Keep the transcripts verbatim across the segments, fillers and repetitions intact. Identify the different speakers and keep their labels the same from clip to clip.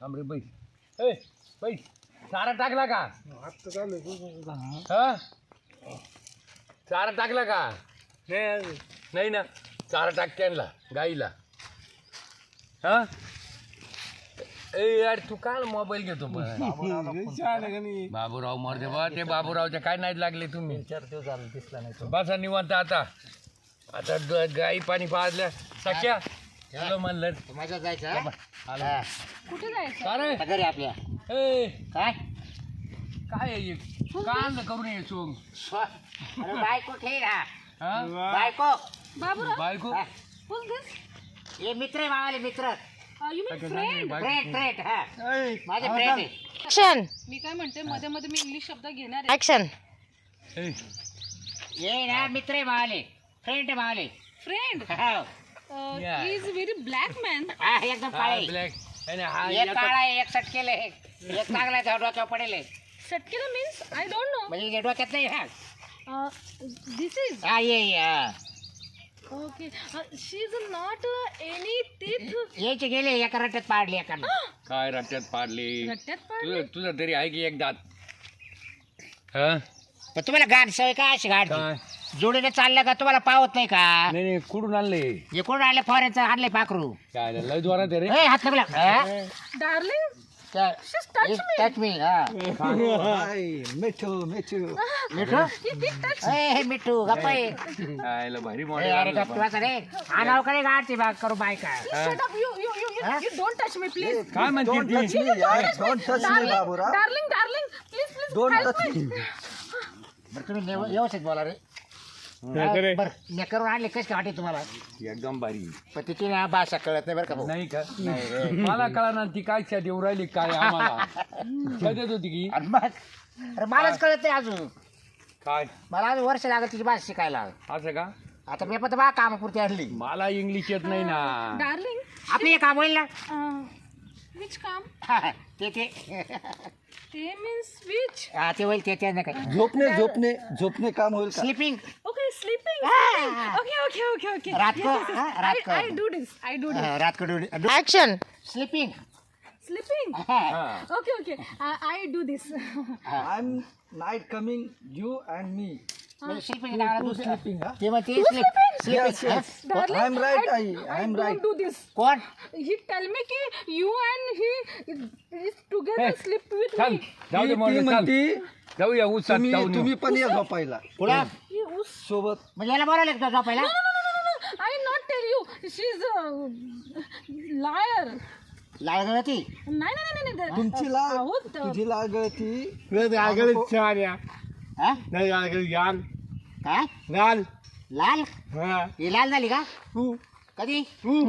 Speaker 1: थांब रे बैठ ए बैठ चारा टाकला का
Speaker 2: आता चालू
Speaker 1: हा चारा टाकला का नाही ना चारा टाक त्यांना गाईला हा ए यार तू काल मोबाईल घेतो बाबूराव मरते बा ते बाबूरावच्या काय नाही लागले तुम्ही
Speaker 2: चार दिवस झाले दिसला नाही
Speaker 1: बसा निवांत आता आता द- गाई पाणी पाजल्या सख्या चलो म्हणलं
Speaker 3: माझ्या जायचं
Speaker 4: कुठे जायचं
Speaker 1: अरे
Speaker 3: घरी आपल्या
Speaker 1: ए
Speaker 3: काय
Speaker 1: काय आहे हे? काय आणलं करून ये सोंग
Speaker 3: अरे बायको ठेव ना
Speaker 1: हा
Speaker 3: बायको
Speaker 4: बाबूराव
Speaker 1: बायको
Speaker 3: हा.
Speaker 4: who's this
Speaker 3: हे मित्र आहे मावाले मित्र
Speaker 4: uh, you mean friend
Speaker 3: friend friend हा माझे फ्रेंड आहे
Speaker 5: ऍक्शन
Speaker 4: मी काय म्हणते मध्ये मध्ये मी इंग्लिश शब्द घेणार आहे
Speaker 5: ऍक्शन
Speaker 1: ए,
Speaker 3: ये ना मित्र आहे मावाले फ्रेंड आहे मावाले
Speaker 4: फ्रेंड
Speaker 3: हा
Speaker 1: Yeah.
Speaker 4: ही इज व्हेरी ब्लॅक मॅन
Speaker 3: हा, एकदम
Speaker 1: हा
Speaker 3: काळे
Speaker 1: ब्लॅक आणि हा
Speaker 3: एक
Speaker 1: याचा-
Speaker 3: काळा आहे एक सटकेल आहे एक चांगला आहे डोक्यावर पडेल आहे.
Speaker 4: सटकेला मीन्स आय डोंट नो
Speaker 3: म्हणजे हे डोक्यात नाही हा
Speaker 4: दिस इज
Speaker 3: हा ये ये, हा
Speaker 4: okay she is not any teeth
Speaker 3: यायचे गेले एका रट्ट्यात पाडले एका
Speaker 1: काय रट्ट्यात पाडली
Speaker 4: रट्ट्यात
Speaker 1: तुझं
Speaker 4: पडले
Speaker 1: तुझं तरी आहे की एक दात हा
Speaker 3: पण तुम्हाला गाड सवय का अशी गाड
Speaker 1: काय
Speaker 3: जोडीने चाललं का तुम्हाला पावत नाही का
Speaker 1: नाही नाही कुठून आणले
Speaker 3: हे कोण आणले फॉरेनचं आणले पाखरू
Speaker 1: काय लय जोरात आहे रे
Speaker 3: ए हात लागला
Speaker 4: darling Just touch me.
Speaker 3: Touch me हा
Speaker 2: मिठू मिठू
Speaker 3: मिठू ए हे मिठू गप्पा ये
Speaker 1: काय लय भारी
Speaker 3: ए,
Speaker 1: मॉडेल
Speaker 3: अरे
Speaker 1: आणलं
Speaker 3: गप्पा वाचा रे आणाव कडे गाडची बाग करू बायका
Speaker 4: shut up you you you you, you don't touch me please
Speaker 1: काय म्हणते
Speaker 2: डोंट
Speaker 1: ती?
Speaker 2: Touch me don't touch me Baburao
Speaker 4: darling darling please please
Speaker 2: don't
Speaker 4: help
Speaker 2: touch
Speaker 4: me
Speaker 2: me
Speaker 3: बरं तुम्ही नेव- व्यवस्थित बोला रे बरं मी करून आणले कशी काय वाटते तुम्हाला
Speaker 1: एकदम भारी
Speaker 3: पण तिची ना भाषा कळत नाही बरं का भाऊ.
Speaker 1: नाही का मला कळा ना ती काय च्या देऊ राहिली काय आम्हाला कधीच होती की
Speaker 3: आणि मग अरे मलाच कळत नाही अजून
Speaker 1: काय
Speaker 3: मला अजून वर्ष लागत तिची भाषा शिकायला
Speaker 1: असं का
Speaker 3: आता मी पण बा कामापुरती आणली
Speaker 1: मला इंग्लिश येत नाही ना
Speaker 4: darling
Speaker 3: आपली हे काम होईल ना
Speaker 4: uh, which काम
Speaker 3: ते ते
Speaker 4: ते means which
Speaker 3: हा ते होईल ते ते नाही काय
Speaker 2: झोपणे झोपणे झोपणे काम होईल का
Speaker 3: sleeping
Speaker 4: okay sleeping
Speaker 3: Ah.
Speaker 4: sleeping. okay okay okay okay
Speaker 3: रात को,
Speaker 4: yes, yes, yes.
Speaker 3: हाँ, रात
Speaker 4: I,
Speaker 3: को.
Speaker 4: I do this I do this
Speaker 3: रात को ड्यूटी
Speaker 5: ऍक्शन
Speaker 3: स्लिपिंग
Speaker 4: sleeping
Speaker 1: हा.
Speaker 4: okay okay I, I do this
Speaker 2: I am night coming you and me
Speaker 3: sleeping
Speaker 2: to sleeping हा
Speaker 3: ते मग ते
Speaker 2: Yes, yes.
Speaker 4: darling
Speaker 2: I am right,
Speaker 4: I,
Speaker 2: I- I
Speaker 4: I
Speaker 2: am
Speaker 4: don't
Speaker 2: right.
Speaker 4: do this
Speaker 3: कोण
Speaker 4: he tell me ki you and he is, is together
Speaker 1: Hey,
Speaker 4: sleep with
Speaker 1: चल
Speaker 4: me
Speaker 1: जाऊ दे
Speaker 2: ती
Speaker 1: model चल
Speaker 2: म्हणती
Speaker 1: जाऊया उसात
Speaker 2: तुम्ही
Speaker 1: जाऊन
Speaker 2: तुम्ही
Speaker 1: येऊ.
Speaker 2: पण या झोपायला
Speaker 3: कुणा
Speaker 4: he us
Speaker 2: सोबत
Speaker 3: म्हणजे याला बोलावलं का झोपायला
Speaker 4: no no no no no I not tell you she's a liar
Speaker 3: लागलं ती
Speaker 4: नाही नाही नाही नाही नाही
Speaker 2: तुमची लाग
Speaker 4: आहो, त-
Speaker 2: तुझी लाग ती
Speaker 3: हा? काय
Speaker 1: लाल
Speaker 3: लाल ही लाल झाली का कधी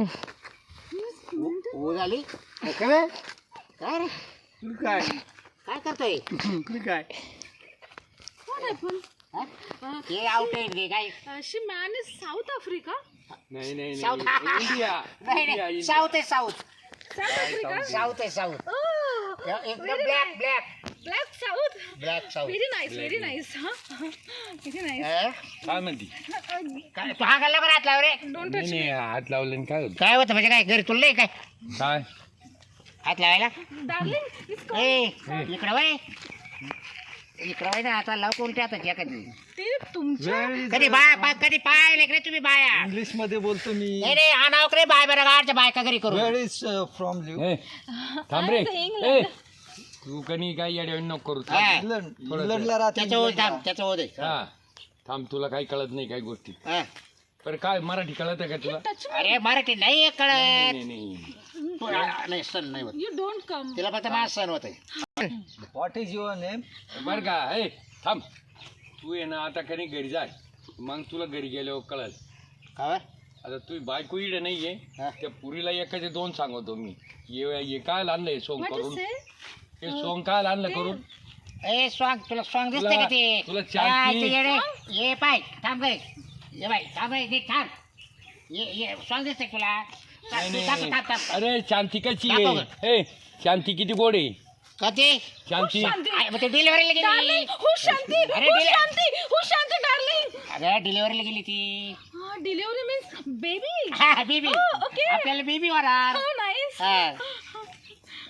Speaker 3: हो झाली काय रे
Speaker 1: काय
Speaker 3: काय करतोय
Speaker 1: काय
Speaker 4: what happened
Speaker 3: हा? हे आउट आहे काय
Speaker 4: uh, she man is South Africa
Speaker 1: नाही नाही
Speaker 3: साऊथ
Speaker 1: नाही इंडिया
Speaker 3: नाही
Speaker 1: इंडिया
Speaker 3: नाही
Speaker 1: इंडिया.
Speaker 3: साऊथ आहे साऊथ
Speaker 4: South Africa
Speaker 3: साऊथ आहे साऊथ
Speaker 4: oh
Speaker 3: एकदम
Speaker 4: very
Speaker 3: black
Speaker 4: nice.
Speaker 3: Black
Speaker 4: black South
Speaker 3: black south
Speaker 4: very nice very nice huh very nice
Speaker 1: काय म्हणती
Speaker 3: काय तू हा गल्ला बरं हात लाव रे
Speaker 4: don't
Speaker 1: नाही
Speaker 4: touch
Speaker 1: नाही हात लावले आणि काय होत
Speaker 3: काय होतं म्हणजे काय घरी तुला नाही काय
Speaker 1: काय
Speaker 3: हात लावायला
Speaker 4: darling it's called
Speaker 3: ए इकडं वय इकडं वय ना आता लाव कोणत्या आता कधी
Speaker 4: ते तुमच्या
Speaker 3: कधी बाय बाय कधी पाय रे तुम्ही बाया
Speaker 2: इंग्लिश मध्ये बोलतो मी
Speaker 3: नाही रे हा नाव रे बाय बरं गाडच्या बायका घरी करू
Speaker 2: वेअर इज फ्रॉम यू
Speaker 1: ए, थांब रे
Speaker 4: I'm saying
Speaker 1: ए
Speaker 4: like-
Speaker 1: तू कणी काय येड्या नको करू
Speaker 3: हा.
Speaker 1: थांब.
Speaker 2: इंग्लंड
Speaker 1: थोडं
Speaker 2: इंग्लंडला राहते
Speaker 3: त्याच्या ओढ थांब त्याच्या ओढ आहे.
Speaker 1: हा थांब तुला काही कळत नाही काही गोष्टी
Speaker 3: हा.
Speaker 1: पण काय मराठी कळत आहे का तुला
Speaker 4: touch me
Speaker 3: अरे मराठी नाही
Speaker 1: नाही
Speaker 3: कळत
Speaker 1: नाही, नाही
Speaker 3: तू- नाही सण नाही होत
Speaker 4: you don't come
Speaker 3: तिला फक्त माझ सण होत
Speaker 2: व्हॉट इज युअर नेम
Speaker 1: बर का ए थांब तू ये ना आता कधी घरी जाय मग तुला घरी गेल्यावर कळल
Speaker 3: काय
Speaker 1: आता तू बायको इडे नाहीये
Speaker 3: हा.
Speaker 1: त्या पुरीला एकाचे दोन सांगतो मी ये ये काय आणलंय सोंग
Speaker 4: what you
Speaker 1: करून
Speaker 4: say
Speaker 1: हे सोंग काय आणलं करून
Speaker 3: ए स्वांग तुला स्वांग दिसते
Speaker 1: तुला-
Speaker 3: का ते
Speaker 1: तुला
Speaker 3: हा,
Speaker 1: चालती.
Speaker 3: इथे ये रे. ये पाय थांब रे ये बाय थांब रे नीट थांब ये ये स्वांग दिसते का तुला
Speaker 1: नाही,
Speaker 3: तू
Speaker 1: नाही,
Speaker 3: थांब
Speaker 1: नाही.
Speaker 3: थांब थांब
Speaker 1: अरे शांती कशी
Speaker 3: दाखव
Speaker 1: आहे ए शांती किती गोड आहे
Speaker 3: कधी
Speaker 1: शांती
Speaker 4: शांती
Speaker 3: आय, मग ते डिलिव्हरीला गेली
Speaker 4: darling who's Shanti
Speaker 3: अरे,
Speaker 4: who's
Speaker 3: दिले-
Speaker 4: Shanti who's Shanti darling
Speaker 3: अरे डिलिव्हरीला गेली ती
Speaker 4: ah delivery means baby
Speaker 3: हा बेबी
Speaker 4: Oh, okay.
Speaker 3: आपल्याला बेबी होणार
Speaker 4: oh nice
Speaker 3: हा.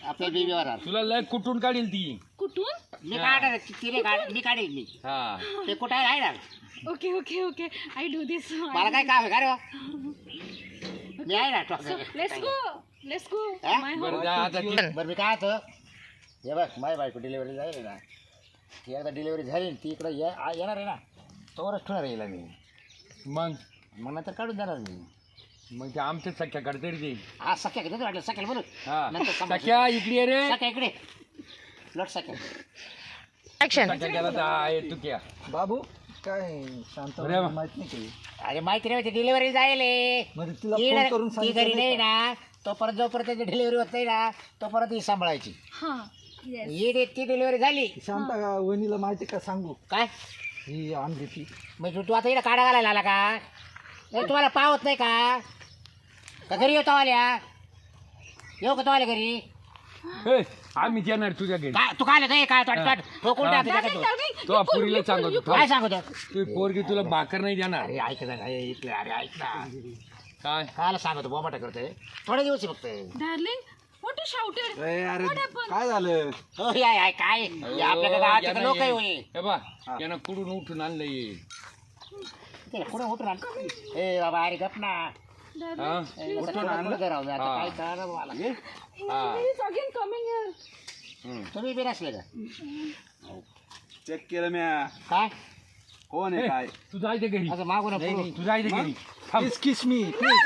Speaker 3: आपल्या बेबीवर
Speaker 1: तुला लय कुठून काढील ती
Speaker 4: कुठून?
Speaker 3: मी काढ तिने काढ मी काढेल मी
Speaker 1: हा
Speaker 3: ते कुठं आहे ना
Speaker 4: Okay, okay, okay. I do this.
Speaker 3: मला काय काम आहे का रे बा? मी आहे ना
Speaker 4: So let's go. Let's go.
Speaker 3: Huh?
Speaker 4: My
Speaker 1: बरं
Speaker 4: home.
Speaker 1: जा आता ती-
Speaker 3: बरं मी काय होतं हे बघ माझी बायको डिलिव्हरी झाली ना ती एकदा डिलिव्हरी झाली ती इकडं ये आ- येणार आहे ना तोवरच ठेवणार येईल मी
Speaker 1: मग
Speaker 3: मग नंतर काढून देणार मी
Speaker 1: मग ते आमच्या सख्याकडे तरी दे
Speaker 3: हा सख्या किती वाटलं सख्याला बोलू
Speaker 1: हा
Speaker 3: नंतर समजा-
Speaker 1: सख्या इकडे ये रे
Speaker 3: सख्या इकडे लट सख्या
Speaker 1: सख्या गेला तर आहे तू क्या
Speaker 2: बाबू काय शांत
Speaker 1: अरे वा.
Speaker 2: माहित नाही काही
Speaker 3: अरे माहिती नाही डिलिव्हरी जाईल
Speaker 2: मग तिला
Speaker 3: ती
Speaker 2: फोन करून
Speaker 3: ती
Speaker 2: सांगितलं
Speaker 3: घरी नाही
Speaker 2: नाही
Speaker 3: ना तोपर्यंत जोपर्यंत त्याची डिलिव्हरी होत नाही ना तोपर्यंत ही सांभाळायची
Speaker 4: Huh. Yes.
Speaker 3: ही डे- ती डिलिव्हरी झाली
Speaker 2: का? शांत का वहिनीला माहिती का सांगू
Speaker 3: काय
Speaker 2: ही आणली ती
Speaker 3: म्हणजे तू आता इकडे काढा घालायला आला का नाही तुम्हाला पावत नाही का का घरी येतो आल्या येऊ का तो आल्या घरी
Speaker 1: ए, आम्ही येणार तुझ्या घरी
Speaker 3: काय तू काय आलं काय काय ठोकून टाक
Speaker 4: Darling,
Speaker 3: तुझ्याकडे.
Speaker 4: darling.
Speaker 1: तो
Speaker 4: you pull,
Speaker 1: पुरीला
Speaker 4: you pull,
Speaker 1: सांगतो
Speaker 4: you
Speaker 1: तो.
Speaker 3: काय सांगतो
Speaker 1: तू पोरगी तुला भाकर नाही देणार
Speaker 3: अरे ऐक ना अरे इथलं अरे ऐक ना
Speaker 1: काय
Speaker 3: कायला सांगतो बोमाटा करतोय थोडे दिवस आहे फक्त
Speaker 4: pull. Darling, what you shouted?
Speaker 2: अरे
Speaker 4: What happened?
Speaker 2: काय झालं
Speaker 3: हो या या, काय या आपल्या गावाचे लोक आहे होय.
Speaker 1: हे बा यानं कुठून उठून आणलंय
Speaker 3: ते कुठं उठून आण ए बाबा अरे गप ना
Speaker 4: Darling,
Speaker 1: हा
Speaker 3: ए, उठून आणलं जरा आता
Speaker 1: हा.
Speaker 3: काय कळलं मला
Speaker 1: हा.
Speaker 4: he is again coming here.
Speaker 3: तुम्ही बी नसले का
Speaker 2: चेक केलं मी
Speaker 3: काय
Speaker 2: कोण
Speaker 1: ए,
Speaker 2: आहे काय
Speaker 1: तू जायचं घरी
Speaker 3: असं मागून पुढं.
Speaker 1: तू जायचं घरी थांब.
Speaker 2: किस मी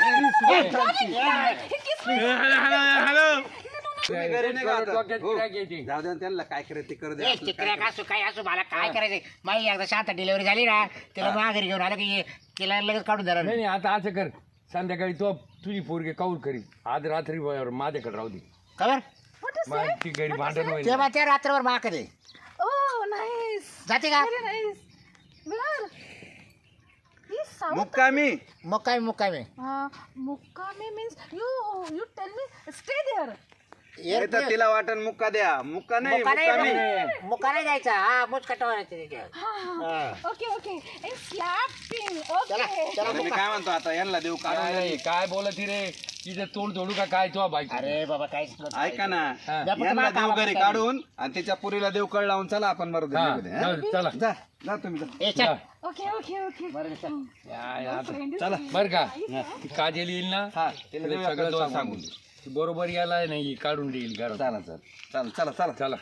Speaker 1: डोक्यात काय घ्यायची?
Speaker 2: जाऊ द्या त्यांना काय करायचं ते करू
Speaker 3: ए, चिकऱ्या का असो काय असो मला काय करायचंय माझी एकदा शांत डिलिव्हरी झाली ना तिला माघारी घेऊन आलं की ये- तिला लगेच काढून देणार
Speaker 1: नाही
Speaker 3: मी.
Speaker 1: नाही आता असं कर संध्याकाळी तो तुझी पोरगी काऊर करी आज रात्री माझ्याकडे राहू दे
Speaker 3: खबर
Speaker 4: What is
Speaker 1: मग ती घरी भांडण होईल
Speaker 3: तेव्हा त्या रात्रभर माग दे
Speaker 4: Oh, nice.
Speaker 3: जाते का
Speaker 4: Very nice. Bilal. He sound.
Speaker 2: मुक्कामी
Speaker 3: मुक्कामी मुक्कामी
Speaker 4: Uh, Mukkame means you. You tell me. Stay there.
Speaker 3: ये
Speaker 2: तर तिला वाटण मुक्का द्या मुक्का नाही
Speaker 3: मुक्का
Speaker 2: मुक्कामी
Speaker 3: नाही मुक्का नाही जायचा हा मुचकट व्हायचं
Speaker 4: Ah, okay, okay. And slapping.
Speaker 3: चला
Speaker 4: Okay.
Speaker 3: चला
Speaker 2: मी
Speaker 3: मुक्का.
Speaker 2: काय म्हणतो आता यांना देऊ काढून
Speaker 1: काय काय बोलत रे तिथे तोंड जोडू का काय तो बाईक
Speaker 3: अरे बाबा काहीच नव्हतं.
Speaker 2: ऐका ना
Speaker 1: हा.
Speaker 2: यांना देऊ घरी काढून आणि तिच्या पुरीला देव कळ लावून चला आपण बरोबर
Speaker 1: हा,
Speaker 2: निघू दे, हा?
Speaker 1: जाऊ, चला
Speaker 2: जा जा तुम्ही जा.
Speaker 3: ए चल
Speaker 4: Okay, okay, okay.
Speaker 3: बरं चल.
Speaker 1: या, या, आता.
Speaker 4: Friend is
Speaker 2: चला.
Speaker 1: बर का ती काजल येईल ना
Speaker 2: हा तिला
Speaker 1: तिला
Speaker 2: देऊया
Speaker 1: सगळं
Speaker 2: का
Speaker 1: सांगून
Speaker 2: सांगून
Speaker 1: दे. ती बरोबर याला नाही काढून देईल घरात
Speaker 2: चला चल चला चला चला
Speaker 1: चला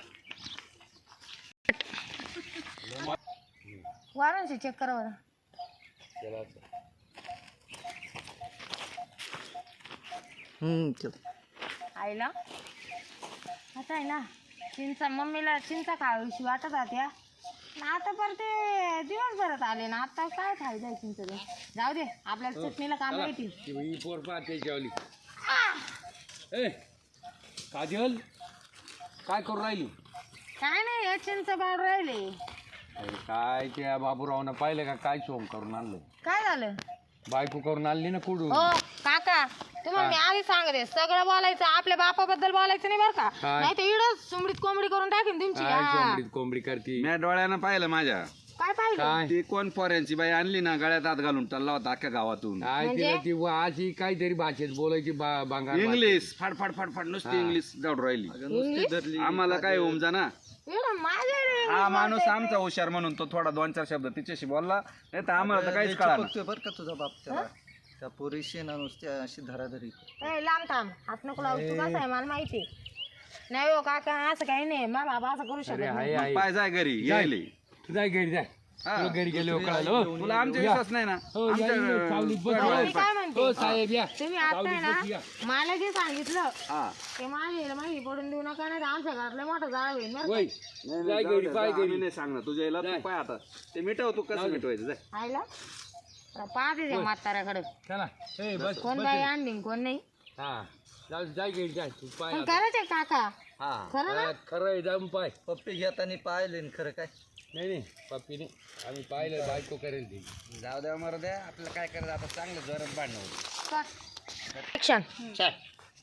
Speaker 5: वाराणसी चेक करा बरं.
Speaker 2: हम्म चल
Speaker 5: आईला आता आहे ना चिंचा मम्मीला चिंचा खावीशी वाटत होत्या आता पर ते दिवसभरात आले ना आता काय फायदा आहे चिंच जाऊ दे आपल्याला चटणीला काम येतील
Speaker 1: ती ही पोर पाहते जेवली ए काजल काय करू राहिली
Speaker 5: काय नाही हे चिंच बाळ राहिले
Speaker 1: अरे काय त्या बाबूरावनं पाहिलं का काय सोम करून आणलं
Speaker 5: काय झालं
Speaker 1: बायको करून आणली ना कुठून
Speaker 5: हो काका तुम्हाला मी आधी सांगते सगळं बोलायचं आपल्या बापाबद्दल बोलायचं नाही बरं का
Speaker 1: काय?
Speaker 5: नाही तर इडच सुमडीत कोंबडी करून टाकेन तुमची
Speaker 1: काय
Speaker 5: हा.
Speaker 1: कोंबडीत कोंबडी करती
Speaker 2: मी डोळ्यानं पाहिलं माझ्या
Speaker 5: काय पाहिलं
Speaker 1: काय
Speaker 2: ती कोण पोऱ्यांची बाई आणली ना गळ्यात हात घालून टल्ला होता अख्ख्या गावातून
Speaker 1: काय
Speaker 5: म्हणजे?
Speaker 1: तिला ती अशी काहीतरी भाषेत बोलायची बा- बांगार
Speaker 2: इंग्लिश फाड फाड फाड फाड नुसती इंग्लिश जाऊन राहिली आम्हाला काय होम जा
Speaker 5: इकडं माझ्या
Speaker 2: हा माणूस आमचा हुशार म्हणून तो थोडा दोन चार शब्द तिच्याशी बोलला नाही तर आम्हाला तर काहीच कळा
Speaker 6: बर का तुझा बाप त्याला त्या पोरीशी ना नुसती अशी धराधरी
Speaker 5: ए लांब थांब हात नको लावू तू कसं आहे मला माहिती नाही हो काका असं काही नाही मा बाबा असं करू शकत
Speaker 1: अरे
Speaker 5: नाही
Speaker 1: आहे आहे
Speaker 2: पाय जाय घरी यायले
Speaker 1: तू जाय घरी जाय
Speaker 2: हा.
Speaker 1: तुला घरी गेले कळालं हो.
Speaker 2: तुला आमचा
Speaker 1: या.
Speaker 2: विश्वास नाही ना
Speaker 1: हो, या,
Speaker 2: आमच्या,
Speaker 1: या, सावलीत बस.
Speaker 2: अं,
Speaker 5: हो, मी काय म्हणते
Speaker 1: हो साहेब या
Speaker 5: तुम्ही आता आहे
Speaker 1: सावलीत बस, या.
Speaker 5: ना मला जे सांगितलं
Speaker 2: हा.
Speaker 5: ते माझे माहिती पडून देऊ नका नाही तर आमच्या घरातलं मोठं जाळ होईल बरं का?
Speaker 1: वय
Speaker 2: नाही,
Speaker 1: जाय
Speaker 2: नाही, जाऊ
Speaker 1: घरी
Speaker 2: दे,
Speaker 1: पाय
Speaker 2: जा, आम्ही
Speaker 1: घरी
Speaker 2: नाही सांगणार तुझ्या याला
Speaker 1: जाय.
Speaker 2: तू पाय आता ते मिटव तू कसं मिटवायचं जाय
Speaker 5: आईला पाहते त्या म्हाताऱ्याकडे
Speaker 1: चला ए बस
Speaker 5: कोण
Speaker 1: बस.
Speaker 5: काही आणली कोण नाही
Speaker 1: हा जाऊ जाय घरी जाय तू पाय
Speaker 5: पण
Speaker 1: आता.
Speaker 5: करायचे काका
Speaker 6: हा
Speaker 5: खरं ना
Speaker 1: हा, खरं आहे जाऊन पाय
Speaker 6: पप्पी घेताना पाहिले ना खरं काय
Speaker 1: नाही नाही पप्पी नाही आम्ही पाहिलं बायको करेल ती
Speaker 2: जाऊ द्या मरू द्या आपल्याला काय करायचं आता चांगलं जोरात भांडणं होतं
Speaker 5: ऍक्शन
Speaker 3: चल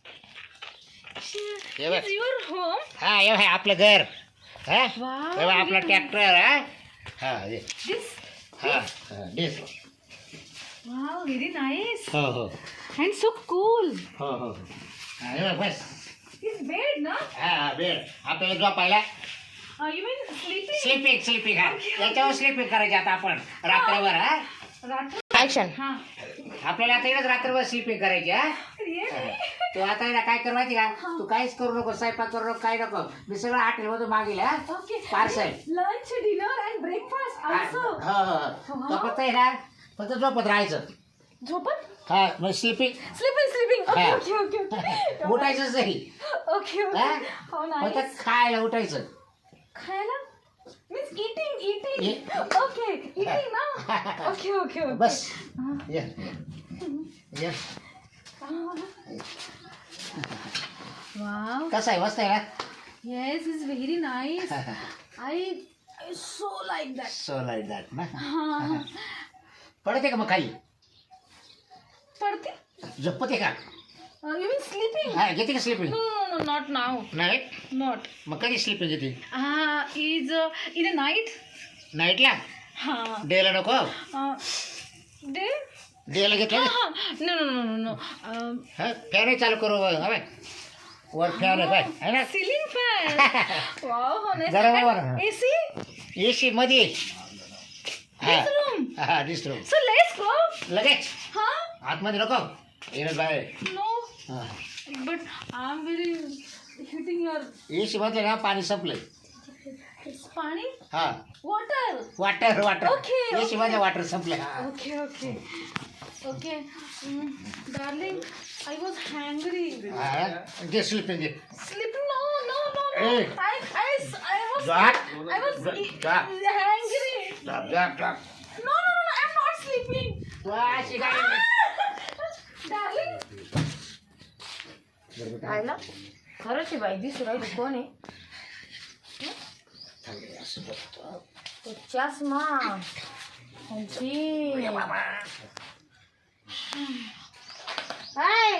Speaker 3: हे बघ
Speaker 4: Is your home?
Speaker 3: हा हे बघ, आपलं घर हा
Speaker 4: Wow.
Speaker 3: हे बघ, आपला ट्रॅक्टर हा हा हे.
Speaker 4: This.
Speaker 3: हा हा, this.
Speaker 4: Wow, very nice.
Speaker 3: हो हो
Speaker 4: And so cool.
Speaker 3: हो हो हा, हे बघ, बस
Speaker 4: It's bed, no?
Speaker 3: हा बेड आपल्याला झोपायला
Speaker 4: Uh, you mean sleeping?
Speaker 3: Sleeping sleeping हा याच्यावर स्लीपिंग करायची आता आपण रात्रभर हा
Speaker 4: Ratu?
Speaker 5: ऍक्शन.
Speaker 4: Huh.
Speaker 3: आपल्याला आता इकडेच रात्रभर स्लीपिंग करायची हा
Speaker 4: Really?
Speaker 3: तू आता आहे ना काय कर माहिती का तू काहीच करू नको स्वयंपाक करू नको काय नको मी सगळं हॉटेल मधून मागेल हा
Speaker 4: Okay.
Speaker 3: Parcel
Speaker 4: Lunch, dinner, and breakfast
Speaker 3: हो
Speaker 4: also.
Speaker 3: हो तो फक्त आहे ना फक्त झोपत राहायचं
Speaker 4: Jopan?
Speaker 3: हा मग sleeping
Speaker 4: Sleeping, sleeping. Okay,
Speaker 3: Ah.
Speaker 4: okay, okay, okay.
Speaker 3: उठायचंच नाही
Speaker 4: Okay, okay.
Speaker 3: हा
Speaker 4: How nice.
Speaker 3: फक्त खायला उठायचं
Speaker 4: Khayala? Means eating, eating.
Speaker 3: Ye-
Speaker 4: Okay, eating now. Okay, okay, okay.
Speaker 3: बस ये ये
Speaker 4: Wow.
Speaker 3: कसं आहे मस्त आहे ना
Speaker 4: Yes, it's very nice. I, I so like that.
Speaker 3: So like that ना
Speaker 4: हाँ.
Speaker 3: पडते का मग खाली
Speaker 4: पढ़ते?
Speaker 3: झोपते का
Speaker 4: Uh, you mean sleeping?
Speaker 3: हा घेते का sleeping
Speaker 4: No, no, no, not now.
Speaker 3: नाही
Speaker 4: Not.
Speaker 3: मग कधी स्लीपिंग घेते
Speaker 4: Ah, is uh, in the night?
Speaker 3: नाईटला
Speaker 4: हाँ.
Speaker 3: डेला नको
Speaker 4: Uh, day?
Speaker 3: डेला घेतलं ना
Speaker 4: हाँ. No, no, no, no, no. Um,
Speaker 3: हा फॅनही चालू करू हवे वर फॅन आहे काय है ना
Speaker 4: ceiling fan. Wow, how nice.
Speaker 3: जरा
Speaker 4: And
Speaker 3: वर.
Speaker 4: A C?
Speaker 3: एसी मध्ये हा
Speaker 4: This room.
Speaker 3: हा दिसतो
Speaker 4: So let's go.
Speaker 3: लगेच
Speaker 4: Huh?
Speaker 3: आतमध्ये नको येणं बाहेर
Speaker 4: No.
Speaker 3: हा
Speaker 4: But I'm very hitting your
Speaker 3: AC मध्ये ना पाणी संपलंय
Speaker 4: pani.
Speaker 3: हा
Speaker 4: Water.
Speaker 3: Water water
Speaker 4: Okay,
Speaker 3: AC मध्ये वॉटर संपलंय हा
Speaker 4: Okay, okay. Okay. Mm, darling, I was hungry.
Speaker 3: हा जे स्लीपिंग घे
Speaker 4: Sleeping? No, no, no, no.
Speaker 3: Hey.
Speaker 4: I, I, I was,
Speaker 3: Jack.
Speaker 4: I was e-
Speaker 3: Jack.
Speaker 4: hungry.
Speaker 3: जाप जाप जाप
Speaker 4: No, no, no, no, I'm not sleeping.
Speaker 3: तू अशी काय
Speaker 4: Darling.
Speaker 5: पाहिलं खरंच आहे बाई दिसू राहिली कोण आहे तो चष्मा जी हाय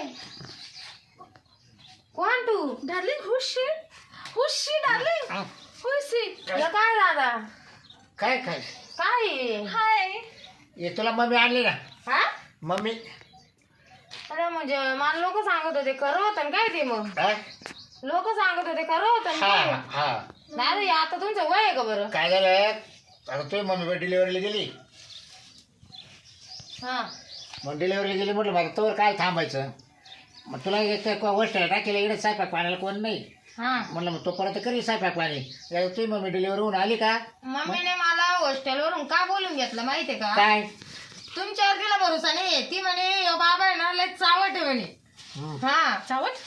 Speaker 5: कोण तू
Speaker 4: Darling, who's she? Who's she, darling?
Speaker 3: हा.
Speaker 4: Who is she?
Speaker 5: तुला काय दादा
Speaker 3: काय काय
Speaker 5: काय आहे?
Speaker 4: Hi.
Speaker 3: ये तुला मम्मी आणली ना
Speaker 5: हा
Speaker 3: मम्मी
Speaker 5: अरे म्हणजे मला लोक सांगत होते खरं होतं ना काय ते मग
Speaker 3: हा
Speaker 5: लोक सांगत होते खरं होतं ना
Speaker 3: हा
Speaker 5: काय?
Speaker 3: हा
Speaker 5: दादा हे आता तुमचं वय आहे का बरं
Speaker 3: काय झालं आता तुझी मम्मी डिलिव्हरीला गेली
Speaker 5: हा
Speaker 3: मग डिलिव्हरीला गेली म्हटलं माझं तोवर काय थांबायचं मग तुला एक गोष्ट टाकेला इकडे स्वयंपाक पाण्याला कोण नाही
Speaker 5: हा
Speaker 3: म्हणलं मग तो परत करी स्वयंपाक पाणी या तुझी मम्मी डिलिव्हरी होऊन आली का
Speaker 5: मम्मीने मला हॉस्टेलवरून का बोलून घेतलं माहितीये का
Speaker 3: काय
Speaker 5: तुमच्यावर तिला भरोसा नाही ती म्हणे "यो बाबा आहे ना लय चावट आहे म्हणे
Speaker 3: हम्म.
Speaker 5: हा
Speaker 4: Chawat?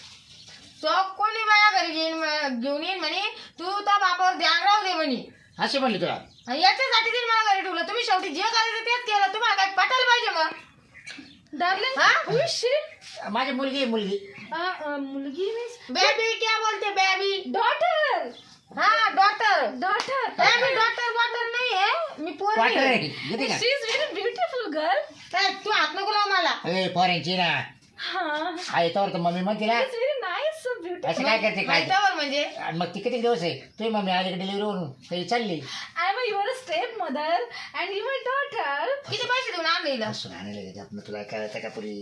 Speaker 5: तो कोणी माझ्या घरी घेऊन घेऊन येईन म्हणे तू त्या बापावर ध्यान राहू दे म्हणे
Speaker 3: अशी म्हणली तुला
Speaker 5: आणि याच्यासाठी तिने मला घरी ठेवलं तुम्ही शेवटी जे करायचं तेच केलं तुम्हाला काय पटायला पाहिजे मग
Speaker 4: Darling,
Speaker 5: Huh?
Speaker 4: who is she?
Speaker 3: माझी मुलगी आहे, मुलगी
Speaker 4: Uh, uh, mulgi means
Speaker 5: baby क्या बोलते बेबी
Speaker 4: daughter.
Speaker 5: हा डॉक्टर
Speaker 4: Daughter.
Speaker 5: मी डॉक्टर बॉक्टर नाही आहे मी पोर
Speaker 3: क्वार्टर आहे घेते का
Speaker 4: She is very beautiful girl.
Speaker 5: तू हात नको लाव मला
Speaker 3: ए फॉरेनची ना
Speaker 4: Huh.
Speaker 3: हा येतावर तर मम्मी म्हणते ना
Speaker 4: It's very nice, so beautiful.
Speaker 3: असं काय करते काय
Speaker 5: माहितीवर म्हणजे
Speaker 3: आणि मग ती किती दिवस आहे तुझी मम्मी आली डिलिव्हरी होऊन काही चालली
Speaker 4: I'm a, you are a stepmother and you are a daughter.
Speaker 5: किती पैसे देऊन आणलं हिला
Speaker 3: असं आणायला गेले आपण तुला कळतं का पुरी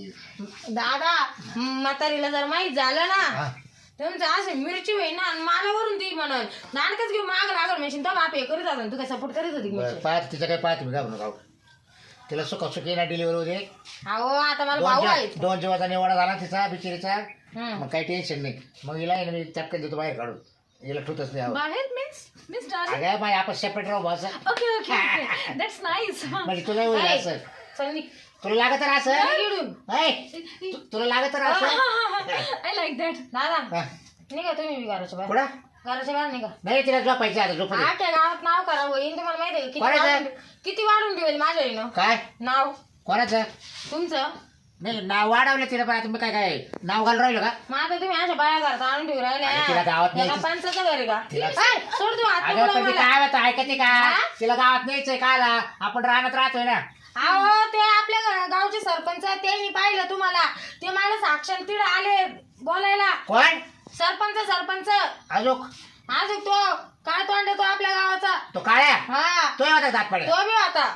Speaker 5: दादा म्हातारीला जर माहित झालं ना
Speaker 3: हा
Speaker 5: तुमचं असं मिरची होई ना आणि मला वरून ती म्हणून नानकच घेऊन माग लागल म्हणशील तर बाप हे करीत होता तू काय सपोर्ट करीत होती
Speaker 3: बरं पाहत तिचं काय पाहत मी घाबरू नका तिला सुख सुखी ना डिलिव्हरी होते
Speaker 5: अहो आता मला
Speaker 3: दोन
Speaker 5: भाऊ
Speaker 3: जीव-
Speaker 5: आहेत
Speaker 3: दोन जीवाचा निवाडा झाला तिचा बिचारीचा
Speaker 5: हम्म.
Speaker 3: मग काही टेन्शन नाही मग हिला आहे ना मी चटकन देतो बाहेर काढून हिला ठुतच नाही आवडत.
Speaker 4: Bahir means Miss darling.
Speaker 3: अगं बाई आपण सेपरेट राहू बा असं
Speaker 4: Okay, okay, okay. That's nice.
Speaker 3: म्हणजे तुला होईल
Speaker 5: ऐक,
Speaker 3: असं
Speaker 5: चल निघ.
Speaker 3: तुला लागत तर असं
Speaker 5: चल इकडून.
Speaker 3: ऐ, तु- तुला लागत तर असं
Speaker 4: I like that.
Speaker 5: दादा
Speaker 3: हा.
Speaker 5: निघा तुम्ही बी घराच्या बाहेर
Speaker 3: कुठं
Speaker 5: घराच्या बाहेर निघा
Speaker 3: नाही तिला झोपायचं आता झोप
Speaker 5: आठ्या गावात नाव करा होईन तुम्हाला माहिती आहे का? किती
Speaker 3: कोणाचं?
Speaker 5: वाढून किती वाढून ठेवेल माझ्या आईनं
Speaker 3: काय
Speaker 5: नाव
Speaker 3: कोणाचं
Speaker 5: तुमचं
Speaker 3: नाही नाव वाढवलं तिला पण आता मी काय काय नाव घालून राहिलो का
Speaker 5: मग आता तुम्ही अशा बाया घरात आणून ठेवू
Speaker 3: अरे तिला गावात
Speaker 5: राहिल्या
Speaker 3: न्यायचं.
Speaker 5: पंचाचं घर आहे का
Speaker 3: तिला-
Speaker 5: ऐ, सोड तू हात
Speaker 3: अगं
Speaker 5: नको
Speaker 3: पण ती
Speaker 5: मला.
Speaker 3: काय होतं ऐकते का
Speaker 5: हा?
Speaker 3: तिला गावात न्यायचंय काला आपण राहण्यात राहतोय ना
Speaker 5: अहो ते आपल्या गा- गावचे सरपंच त्यांनी पाहिलं तुम्हाला ते मला साक्षात तिड आले बोलायला
Speaker 3: कोण
Speaker 5: सरपंच सरपंच
Speaker 3: अजून
Speaker 5: अजून तो काय तोंड तो आपल्या गावाचा
Speaker 3: तो काळ्या
Speaker 5: हा
Speaker 3: तो होता दात पडे
Speaker 5: तो बी होता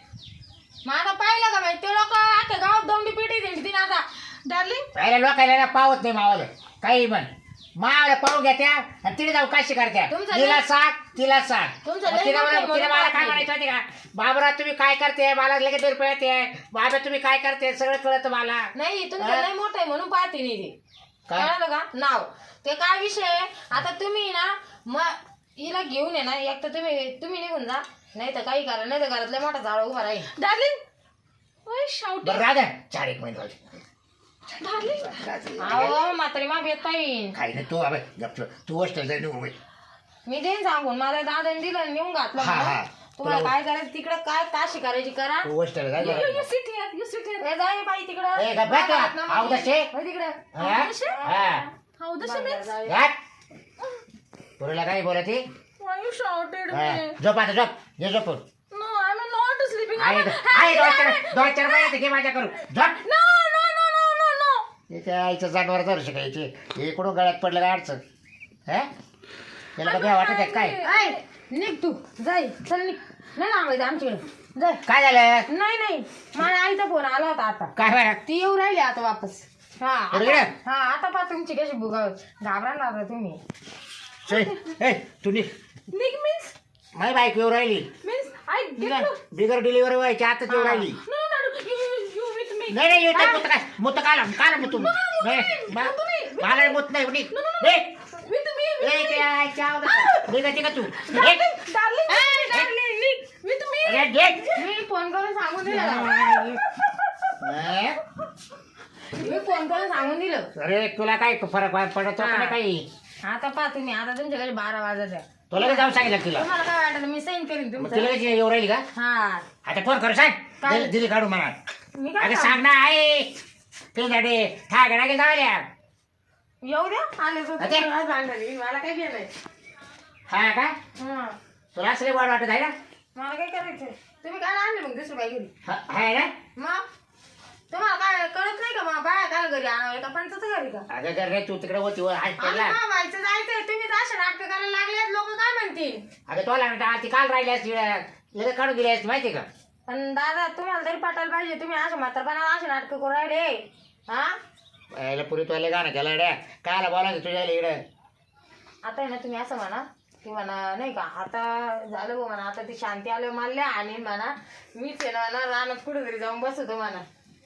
Speaker 5: माझा पाहिलं का माहिती ते लोक आता गावात दौंडी पिटी दिली तिने आता
Speaker 4: Darling,
Speaker 3: पहिल्या लोकायला ना पावत नाही मावाला काही म्हण मावला पळून घेत्या आणि तिने जाऊ काशी करत्या
Speaker 5: तुमचं
Speaker 3: तिला
Speaker 5: लय-
Speaker 3: सांग तिला सांग
Speaker 5: तुमचं
Speaker 3: मग
Speaker 5: लय
Speaker 3: तिला
Speaker 5: मोठं
Speaker 3: म्हणा-
Speaker 5: आहे
Speaker 3: तिला
Speaker 5: म्हणून
Speaker 3: मला काय
Speaker 5: पाहते.
Speaker 3: म्हणायचं माहिती का बाबरा तुम्ही काय करते मला लगेच रुपये येते बाबा तुम्ही काय करते सगळं कळतं मला
Speaker 5: नाही तुमचं
Speaker 3: हा?
Speaker 5: लय मोठं आहे म्हणून पाहते नाही ते
Speaker 3: काय?
Speaker 5: कळालं का नाव ते काय विषय आहे आता तुम्ही ना मग हिला घेऊन ये ना एक तर तुम्ही तुम्ही निघून जा नाही तर काही करा नाही तर घरातल्या मोठा झाड उभा राहील
Speaker 4: Darling, why shouting?
Speaker 3: बरं राजा चार एक महिने झाले.
Speaker 4: Darling,
Speaker 5: अहो म्हातारी माग येत पाहिजे
Speaker 3: काही नाही तू अबे गप्प तू हॉस्टेल जाईल निघून बाई.
Speaker 5: मी देईन सांगून माझ्या दादाने दिलं नेऊन घातलं
Speaker 3: हा,
Speaker 5: म्हणून.
Speaker 3: हा.
Speaker 5: तुम्हाला
Speaker 3: तुला-
Speaker 5: काय करायचं तिकडे काय ताशी करायची करा
Speaker 3: तू हॉस्टेल जाईल
Speaker 4: you, you sit here, you sit here.
Speaker 5: ए, जाय बाई तिकडं
Speaker 3: ए, गप्प बस
Speaker 5: हात ना
Speaker 3: तू. आऊ
Speaker 5: मागे.
Speaker 3: दशे.
Speaker 5: होय तिकडं
Speaker 3: हा? हा.
Speaker 4: How does she mean?
Speaker 5: जाय.
Speaker 3: घाट. तुला काय बोलती
Speaker 4: Why you shouted
Speaker 3: हा.
Speaker 4: me?
Speaker 3: झोप आता झोप ये झोपून
Speaker 4: No, I'm not sleeping.
Speaker 3: आहे
Speaker 4: I'm
Speaker 3: आहे दोन चार दोन चार महिने घे माझ्या करू झोप
Speaker 4: No, no, no, no, no, no.
Speaker 3: त्याच्या आईचं जानवर धरू शिकायचे हे कुठून गळ्यात पडलं काय अडचण हा त्याला का भ्या वाटत आहे काय
Speaker 5: ऐ, निघ तू जाय चल निघ नाही लांबायचं आमच्याकडे जाय
Speaker 3: काय झालं
Speaker 5: नाही नाही माझ्या आईचा फोन आला होता आता
Speaker 3: काय बरं
Speaker 5: ती येऊ राहिली आता वापस हा आता-
Speaker 3: बरोबर.
Speaker 5: हा आता पा तुमची कशी बुगा घाबरा ना तुम्ही
Speaker 3: चल, ए तू निघ
Speaker 4: Nick means,
Speaker 3: माझी बाईक येऊ राहिली
Speaker 4: means I get
Speaker 3: bigger
Speaker 4: you.
Speaker 3: बिगर डिलिव्हरी व्हायची आता येऊ राहिली
Speaker 4: No, no, no, you, you, you with me.
Speaker 3: नाही नाही येऊ मुत काय मुत काला काला मुत नाही मा- मला मुत नाही निघ निघ.
Speaker 4: With me, with
Speaker 3: A,
Speaker 4: me.
Speaker 3: ते आईची आवडत. निघ निघ तू निघ.
Speaker 4: Darling, darling, darling, Nick, with me.
Speaker 3: अरे, निघ.
Speaker 5: मी फोन करून सांगून दिलं
Speaker 3: ए,
Speaker 5: मी फोन करून सांगून दिलं
Speaker 3: अरे तुला काय फरक पडत होता ना काही
Speaker 5: आता पा तुम्ही आता तुमच्याकडे बारा वाजत आहे
Speaker 3: तुला काय जाऊन सांगितलं तिला
Speaker 5: तुम्हाला काय वाटत मी साईन करीन
Speaker 3: मग
Speaker 5: तुमचं
Speaker 3: तिला कशी येऊ राहिली का
Speaker 5: हा
Speaker 3: आता फोन करू सांग
Speaker 5: काय?
Speaker 3: दिली- दिली काढू मला
Speaker 5: मी काय
Speaker 3: अगं
Speaker 5: सांगू?
Speaker 3: सांग ना आहे ते झाडे ठाक लागेल जावल्या
Speaker 5: येऊ द्या आले तर
Speaker 3: अते?
Speaker 5: तुम्हाला सांगणार मला काय केलंय
Speaker 3: हा का
Speaker 5: हा
Speaker 3: तुला असले वाढ वाटत आहे ना
Speaker 5: मला काय करायचंय तुम्ही काय आणले मग दुसरं काय घरी
Speaker 3: हा- आहे ना
Speaker 5: मग तुम्हाला काय कळत नाही का मग बाया काय घरी आणावं का पंचाचं घरी का
Speaker 3: अगं जर रे तू तिकडे होती वर हात
Speaker 5: आणि
Speaker 3: पडला
Speaker 5: मग व्हायचं जायचंय तुम्ही असे नाटक करायला लागले लोक काय म्हणतील
Speaker 3: अगं तो लागणार ती काल राहिली असती लगेच काढून दिली असती माहिती का
Speaker 5: पण दादा तुम्हाला तरी पटायला पाहिजे तुम्ही असं म्हातारपणा असे नाटक करू राहिले हा
Speaker 3: याला पुरी तुला गाणं केलं ड्या कायला बोलायचं तुझ्या इकडे
Speaker 5: आता आहे ना तुम्ही असं म्हणा की म्हणा नाही का आता झालं गो म्हणा आता ती शांती आलं मानल्या आणि म्हणा मीच आहे ना ना रानात कुठे तरी जाऊन बसतो म्हणा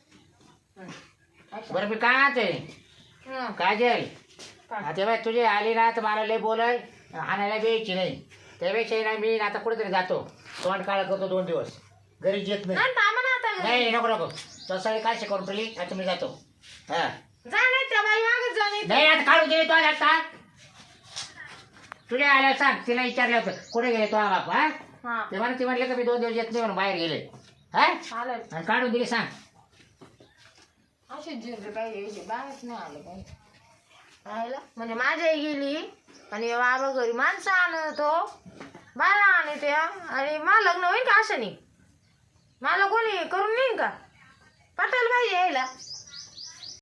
Speaker 5: हं.
Speaker 3: बरं मी काय आणतोय
Speaker 5: हं.
Speaker 3: काजल
Speaker 5: काय?
Speaker 3: आता बाय तुझी आली ना तर मला लय बोलाय आणायला द्यायची नाही त्यापेक्षा ना मी आता कुठेतरी जातो तोंड काळ करतो दोन दिवस घरी येत नाही
Speaker 5: नाही थांबा ना आता घरी.
Speaker 3: नाही नको नको तसं काय शिकवून तुली आता मी जातो हा
Speaker 5: जा नाही त्या बाई मागच जा नाही
Speaker 3: नाही आता काढून दिली तो आता तुझ्या आल्या सांग तिला विचारलं होतं कुठे गेले तो बाप हा
Speaker 5: हा
Speaker 3: ते म्हणा ती म्हणले का मी दोन दिवस येत नाही म्हणून बाहेर गेले हा
Speaker 5: चालेल
Speaker 3: आणि काढून दिली सांग
Speaker 5: असे जिरले काही यायचे बाहेरच नाही आले काही राहिलं म्हणजे माझी आई गेली आणि बाबा घरी माणसं आणतो बाळा आणि त्या आणि मला लग्न होईल का असं नाही मला कोणी करून नेईन का पटायला पाहिजे यायला